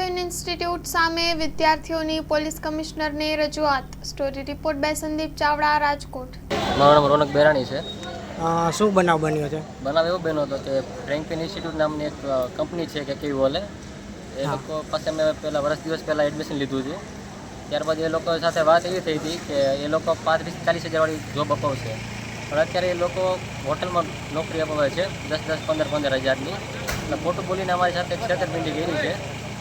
Frankfinn institute સામે વિદ્યાર્થીઓની police કમિશનરને રજૂઆત. Story report by Sandeep Chavda, Rajkot. મારું નામ રોનક બેરાણી છે. શું બનાવ બન્યો છે? બનાવ એવો બન્યો હતો કે ફ્રેન્કફિન ઇન્સ્ટિટ્યૂટ નામની એક કંપની છે કે કેવી બોલે એ લોકો પાસે મેં દિવસ પહેલાં એડમિશન લીધું હતું. ત્યારબાદ એ લોકો સાથે વાત એવી થઈ હતી કે એ લોકો 35-40 હજારવાળી જોબ અપાવશે, પણ અત્યારે એ લોકો હોટલમાં નોકરી અપાવે છે 10-10, 15-15 હજારની. એટલે ખોટું બોલીને અમારી સાથે છેતરપિંડી કરી છે.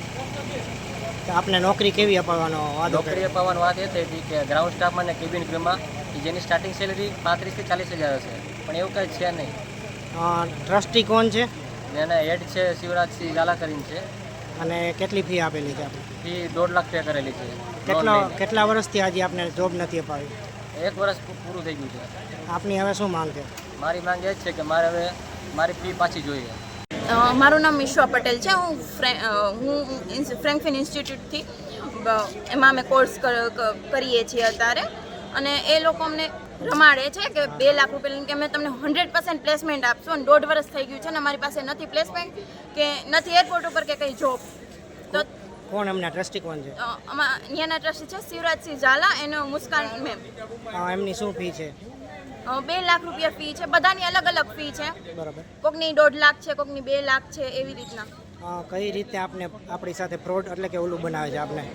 આપને નોકરી કેવી અપાવવાનો વાદો? નોકરી અપાવવાનો વાત એ થઈ હતી કે ગ્રાઉન્ડ સ્ટાફમાં અને કેબિન ક્રૂમાં જેની સ્ટાર્ટિંગ સેલેરી 35-40 હજાર હશે, પણ એવું કંઈ છે નહીં. ટ્રસ્ટી કોણ છે? એના હેડ છે શિવરાજસિંહ ઝાલા કરીને છે. અને કેટલી ફી આપેલી છે આપણે? ફી 1.5 લાખ પે કરેલી છે. કેટલા વર્ષથી આજે આપને જોબ નથી અપાવી? 1 વર્ષ પૂરું થઈ ગયું છે. આપની હવે શું માંગ છે? મારી માંગ એ જ છે કે મારે હવે મારી ફી પાછી જોઈએ. મારું નામ મિશ્વા પટેલ છે. હું ફ્રેન્કફિન ઇન્સ્ટિટ્યૂટથી એમાં અમે કોર્સ કરીએ છીએ અત્યારે, અને એ લોકો અમને રમાડે છે કે 2 લાખ રૂપિયા કે અમે તમને 100% પ્લેસમેન્ટ આપશું, અને 1.5 વર્ષ થઈ ગયું છે ને અમારી પાસે નથી પ્લેસમેન્ટ કે નથી એરપોર્ટ ઉપર કે કંઈ જોબ. તો કોણ એમના ટ્રસ્ટી કોણ છે? અહીંયાના ટ્રસ્ટી છે શિવરાજસિંહ ઝાલા, એનો મુસ્કાન મેમ. એમની શું ફી છે? 2 લાખ રૂપિયા ફી છે. બધાની અલગ અલગ ફી છે. બરાબર. કોકની 1.5 લાખ છે, કોકની 2 લાખ છે, એવી રીતના. કઈ રીતે આપણી સાથે ફ્રોડ એટલે કે ઓલું બનાવે છે આપને?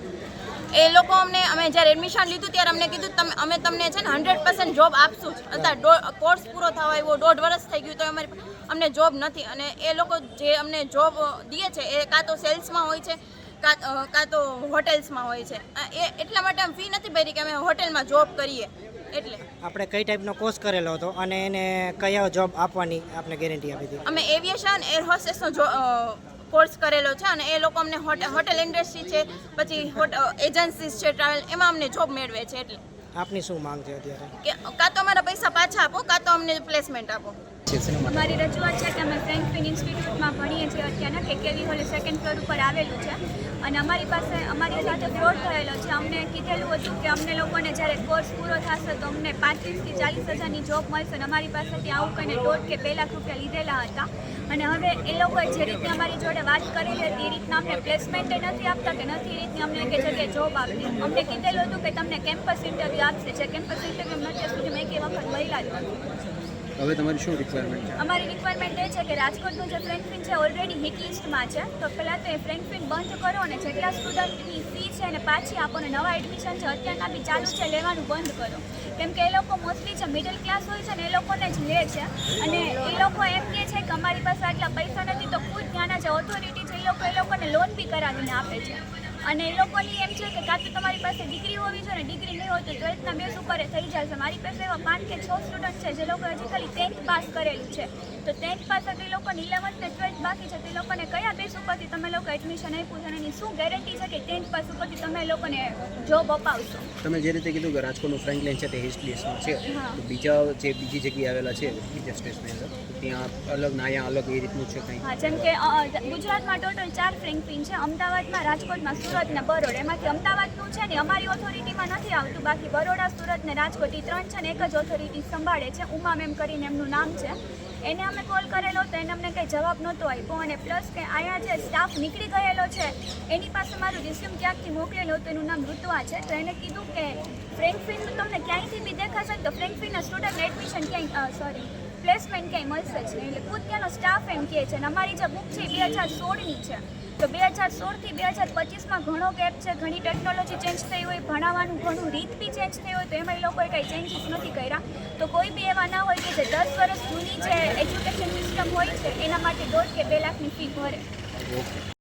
એ લોકો અમે જ્યારે એડમિશન લીધું ત્યારે અમને કીધું અમે તમને છે ને 100% જોબ આપશું જ. અત્યારે કોર્સ પૂરો થવા આવ્યો 1.5 વર્ષ થઈ ગયું તો અમને જોબ નથી, અને એ લોકો જે અમને જોબ દે છે એ કાં તો સેલ્સમાં હોય છે કાં તો હોટેલ્સમાં હોય છે. એટલા માટે અમે ફી નથી ભરી કે અમે હોટેલમાં જોબ કરીએ. એટલે આપણે કઈ ટાઈપનો કોર્સ કરેલો હતો અને એને કયા જોબ આપવાની આપણે ગેરંટી આપી હતી? અમે એવિએશન એર હોસ્ટેસનો કોર્સ કરેલો છે, અને એ લોકો અમને હોટેલ ઇન્ડસ્ટ્રી છે, પછી એજન્સીસ છે ટ્રાવેલ, એમાં અમને જોબ મેળવે છે. એટલે આપની શું માંગ છે અત્યારે? કે કાં તો અમારા પૈસા પાછા આપો, કાં તો અમને પ્લેસમેન્ટ આપો. અમારી રજૂઆત છે કે અમે ફ્રેન્કફિન ઇન્સ્ટિટ્યૂટમાં ભણીએ છીએ અત્યારના, કે કેવી હોલે 2nd ફ્લોર ઉપર આવેલું છે, અને અમારી સાથે ફ્રોડ થયેલો છે. અમને કીધેલું હતું કે અમને લોકોને જ્યારે કોર્સ પૂરો થશે તો અમને 35-40 હજારની જોબ મળશે, અને અમારી પાસેથી આવું કહીને 1.5 કે 2 લાખ રૂપિયા લીધેલા હતા. અને હવે એ લોકોએ જે રીતે અમારી જોડે વાત કરેલી હતી એ રીતના અમને પ્લેસમેન્ટ નથી આપતા, કે નથી એ રીતની અમને કે જગ્યાએ જોબ આપતી. અમને કીધેલું હતું કે તમને કેમ્પસ ઇન્ટરવ્યૂ આપશે, જે કેમ્પસ ઇન્ટરવ્યૂ અત્યાર સુધીમાં એક વખત મળ્યા જ નથી. હવે તમારી શું રિક્વાયરમેન્ટ છે? અમારી રિક્વાયરમેન્ટ એ છે કે રાજકોટનું જે ફ્રેન્કફિન છે ઓલરેડી હિટ લિસ્ટમાં છે, તો પહેલાં તો એ ફ્રેન્કફિન બંધ કરો અને જેટલા સ્ટુડન્ટની ફી છે એને પાછી આપો, અને નવા એડમિશન છે અત્યારના બી ચાલુ છે લેવાનું બંધ કરો. કેમ કે એ લોકો મોસ્ટલી જે મિડલ ક્લાસ હોય છે ને એ લોકોને જ લે છે, અને એ લોકો એમ કહે છે કે અમારી પાસે આટલા પૈસા નથી, તો ખુદ ત્યાંના જે ઓથોરિટી છે એ લોકોને લોન બી કરાવીને આપે છે. અને એ લોકોની એમ છે કે કાં તો તમારી પાસે ડિગ્રી હોવી જોઈએ, ને ડિગ્રી નહીં હોય તો 12થના બેઝ ઉપર થઈ જશે. મારી પાસે એવા 5 કે 6 સ્ટુડન્ટ છે જે લોકો હજી ખાલી 10th પાસ કરેલું છે, તો 10th પાસ તે લોકોને 11th ને 12th બાકી છે, તે લોકોને કયા બેઝ ઉપરથી તમે લોકો એડમિશન આપ્યું છે, અને એની શું ગેરંટી છે કે 10th પાસ ઉપરથી તમે લોકોને જોબ અપાવશો? તમે જે રીતે કીધું કે રાજકોટનું ફ્રેન્કલિન છે તે હિસ્ટ લિસ્ટમાં છે, તો બીજી જગ્યાએ આવેલા છે બીજા સ્ટેટની અંદર, ત્યાં અલગ ને અહીંયા અલગ એ રીતનું છે કંઈ? હા, જેમ કે ગુજરાતમાં ટોટલ 4 ફ્રેન્કફિન છે, અમદાવાદમાં, રાજકોટમાં, સુરત ને બરોડ. એમાંથી અમદાવાદનું છે ને અમારી ઓથોરિટીમાં નથી આવતું, બાકી બરોડા, સુરત ને રાજકોટ એ 3 છે ને એક જ ઓથોરિટી સંભાળે છે. ઉમા મેમ કરીને એમનું નામ છે. એને અમે કોલ કરેલો તો એને અમને કંઈ જવાબ નહોતો આપ્યો, અને પ્લસ કે અહીંયા જે સ્ટાફ નીકળી ગયેલો છે એની પાસે મારું રિઝ્યુમ ક્યાંકથી મોકલેલું હતું, એનું નામ ઋતુઆ છે. તો એને કીધું કે ફ્રેન્કફિનનું તમને ક્યાંયથી બી દેખાશે ને તો ફ્રેન્કફિનના સ્ટુડન્ટ એડમિશન પ્લેસમેન્ટ ક્યાંય મળશે જ નહીં. એટલે ખુદ ત્યાંનો સ્ટાફ એમ કહે છે. અને અમારી જે બુક છે એ 2016ની છે, તો 2016થી 2025માં ઘણો ગેપ છે. ઘણી ટેકનોલોજી ચેન્જ થઈ હોય, ભણાવવાનું ઘણું રીત બી ચેન્જ થઈ હોય, તો એમાં એ લોકોએ કંઈ ચેન્જીસ નથી કર્યા. તો કોઈ બી એવા ના હોય કે જે 10 વર્ષ જૂની જે એજ્યુકેશન સિસ્ટમ હોય છે એના માટે 1.5 કે 2 લાખની ફી ભરે.